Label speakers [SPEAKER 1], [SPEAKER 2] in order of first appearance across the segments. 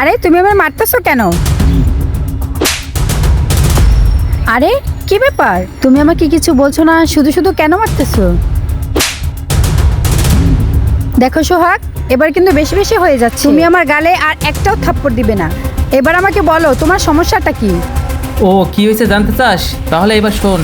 [SPEAKER 1] আরে তুমি আমার মারতেছো কেন? আরে কি ব্যাপার, তুমি আমাকে কিছু বলছো না, শুধু শুধু কেন মারতেছো? দেখো সোহাগ, এবার কিন্তু বেশি বেশি হয়ে যাচ্ছে। তুমি আমার গালে আর একটাও থাপ্পড় দিবে না। এবার আমাকে বলো তোমার সমস্যাটা কি?
[SPEAKER 2] ও কি হয়েছে জানতে চাস? তাহলে এবার শোন।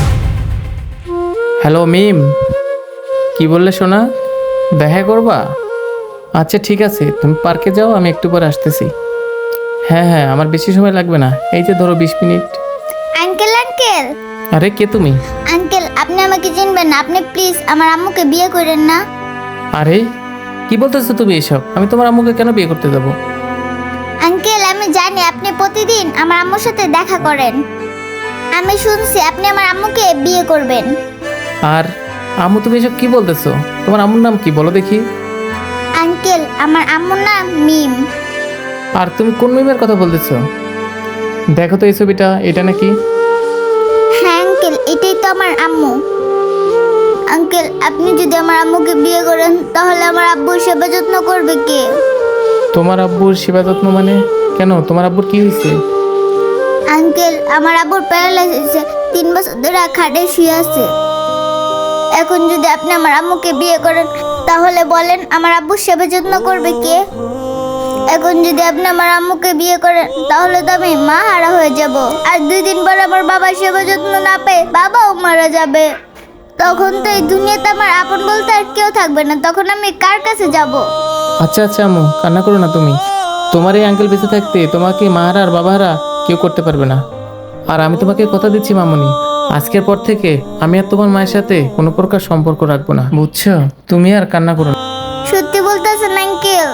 [SPEAKER 2] হ্যালো মিম, কি বললে সোনা? দেখা করবা? আচ্ছা ঠিক আছে, তুমি পার্কে যাও, আমি একটু পরে আসতেছি। হ্যাঁ হ্যাঁ, আমার বেশি সময় লাগবে না, এই যে ধরো 20 মিনিট।
[SPEAKER 3] আঙ্কেল আঙ্কেল
[SPEAKER 2] আরে কে তুমি?
[SPEAKER 3] আঙ্কেল, আপনি আমাকে চিনবেন না? আপনি প্লিজ আমার আম্মুকে বিয়ে করেন না।
[SPEAKER 2] আরে কি বলতেছো তুমি এসব? আমি তোমার আম্মুকে কেন বিয়ে করতে যাবো?
[SPEAKER 3] আঙ্কেল, আমি জানি আপনি প্রতিদিন আমার আম্মুর সাথে দেখা করেন। আমি শুনছি আপনি আমার আম্মুকে বিয়ে করবেন।
[SPEAKER 2] আর আম্মু, তুমি এসব কি বলতেছো? তোমার আম্মুর নাম কি বলো দেখি?
[SPEAKER 3] আঙ্কেল, আমার আম্মুর নাম মিম।
[SPEAKER 2] আর তুমি কোন মিমের কথা বলতেছো? দেখো তো এই ছবিটা, এটা নাকি?
[SPEAKER 3] হ্যাঁ আঙ্কেল, এটাই তো আমার আম্মু। আঙ্কেল, আপনি যদি আমার আম্মুকে বিয়ে করেন তাহলে আমার আব্বুর সেবা যত্ন করবে কে?
[SPEAKER 2] তোমার আব্বুর সেবা যত্ন মানে? কেন, তোমার আব্বুর কি হয়েছে?
[SPEAKER 3] আঙ্কেল, আমার আব্বুর প্যারালাইসিস, 3 বছর ধরে খাটে শুয়ে আছে। এখন যদি আপনি আমার আম্মুকে বিয়ে করেন তাহলে বলেন আমার আব্বুর সেবা যত্ন করবে কে? এখন যদি আপনি আমার আম্মুকে বিয়ে করেন তাহলে তো আমি মা হারা হয়ে যাব। আর 2 দিন পর আমার বাবার সেবা যত্ন না পেয়ে বাবাও মারা যাবে। তখন তো এই দুনিয়াতে আমার আপন বলতে আর কেউ থাকবে না। তখন আমি কার কাছে যাব?
[SPEAKER 2] আচ্ছা আচ্ছা আম্মু, কান্না করো না তুমি। তোমার এই আঙ্কেল বেঁচে থাকতে তোমাকে মাহারা আর বাবাহারা কেউ করতে পারবে না। আর আমি তোমাকে কথা দিচ্ছি মামুনি, আজকের পর থেকে আমি আর তোমার মায়ের সাথে কোনো প্রকার সম্পর্ক রাখবো না, বুঝছো? তুমি আর কান্না করো না।
[SPEAKER 3] সত্যি বলতেছেন আঙ্কেল?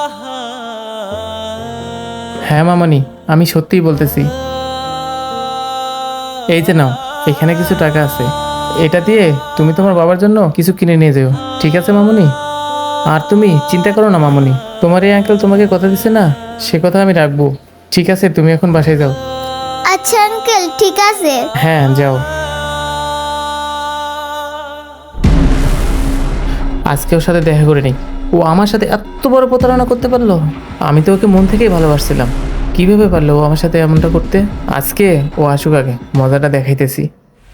[SPEAKER 2] হ্যাঁ মামনি, আমি সত্যিই বলতেছি। এই যে নাও, এখানে কিছু টাকা আছে, এটা দিয়ে তুমি তোমার বাবার জন্য কিছু কিনে নিয়ে যেও, ঠিক আছে মামুনি? আর তুমি চিন্তা করো না মামুনি, তোমার এই আঙ্কেল তোমাকে কথা দিছে না, সে কথা আমি রাখবো। ঠিক আছে, তুমি এখন বাসায় যাও।
[SPEAKER 3] আচ্ছা আঙ্কেল, ঠিক আছে।
[SPEAKER 2] হ্যাঁ যাও। আজকে ওর সাথে দেখা করে নিই। ও আমার সাথে এত বড় প্রতারণা করতে পারলো? আমি তো ওকে মন থেকেই ভালোবাসছিলাম, কিভাবে পারলো ও আমার সাথে এমনটা করতে? আজকে ও আসুক, আগে মজাটা দেখাইতেছি।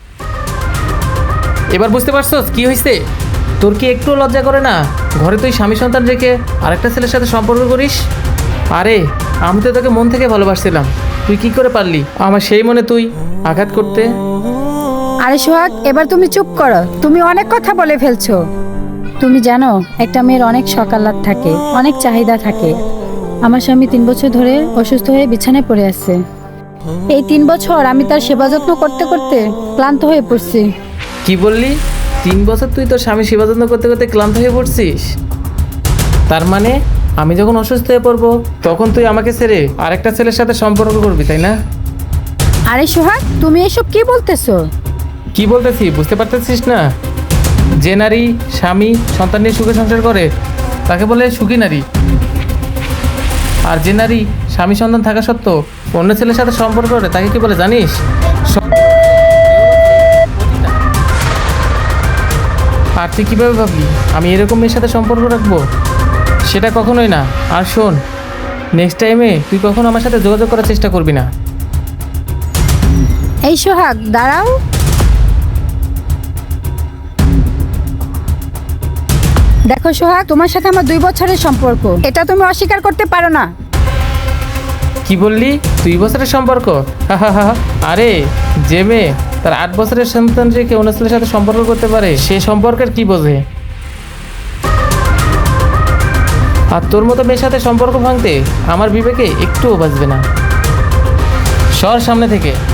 [SPEAKER 2] এবার বুঝতে পারছস কি হয়েছে? তোর কি একটু লজ্জা করে না? ঘরে তুই স্বামী সন্তান রেখে আরেকটা ছেলের সাথে সম্পর্ক করিস? আরে আমি তো তোকে মন থেকে ভালোবাসছিলাম, তুই কি করে পারলি আমার সেই মনে তুই আঘাত করতে?
[SPEAKER 1] আরে সোহাগ, এবার তুমি চুপ করো, তুমি অনেক কথা বলে ফেলছো। তুমি জানো একটা মেয়ের অনেক সকালাত থাকে, অনেক চাহিদা থাকে। আমার স্বামী 3 বছর ধরে অসুস্থ হয়ে বিছানায় পড়ে আছে। এই 3 বছর আমি তার সেবা যত্ন করতে করতে ক্লান্ত হয়ে পড়ছি।
[SPEAKER 2] কি বললি? 3 বছর তুই তোর স্বামী সেবা যত্ন করতে করতে ক্লান্ত হয়ে পড়ছিস? তার মানে আমি যখন অসুস্থ হয়ে পড়বো তখন তুই আমাকে ছেড়ে আরেকটা ছেলের সাথে সম্পর্ক করবি, তাই না?
[SPEAKER 1] আরে সোহাগ, তুমি এসব কি বলতেছো?
[SPEAKER 2] কি বলতেছি বুঝতে পারতেছিস না? যে নারী স্বামী সন্তান নিয়ে সুখে সংসার করে তাকে বলে সুখী নারী। আর যে নারী স্বামী সন্তান থাকা সত্ত্বেও অন্য ছেলের সাথে সম্পর্ক করে তাকে কি বলে জানিস? আর তুই কীভাবে ভাবলি আমি এরকম মেয়ের সাথে সম্পর্ক রাখবো? সেটা কখনোই না। আর শোন, নেক্সট টাইমে তুই কখনো আমার সাথে যোগাযোগ করার চেষ্টা করবি না।
[SPEAKER 1] এই সোহাগ, দাঁড়াও। দেখো সোহাগ, তোমার সাথে আমার 2 বছরের সম্পর্ক, এটা তুমি অস্বীকার করতে পারো না।
[SPEAKER 2] কি বললি? 2 বছরের সম্পর্ক? আরে যে মেয়ে তার 8 বছরের সন্তান রেখে অন্য ছেলের সাথে সম্পর্ক করতে পারে সে সম্পর্কের কি বোঝে? আর তোর মতো মেয়ের সাথে সম্পর্ক ভাঙতে আমার বিবেকে একটুও বাজবে না। সর সামনে থেকে।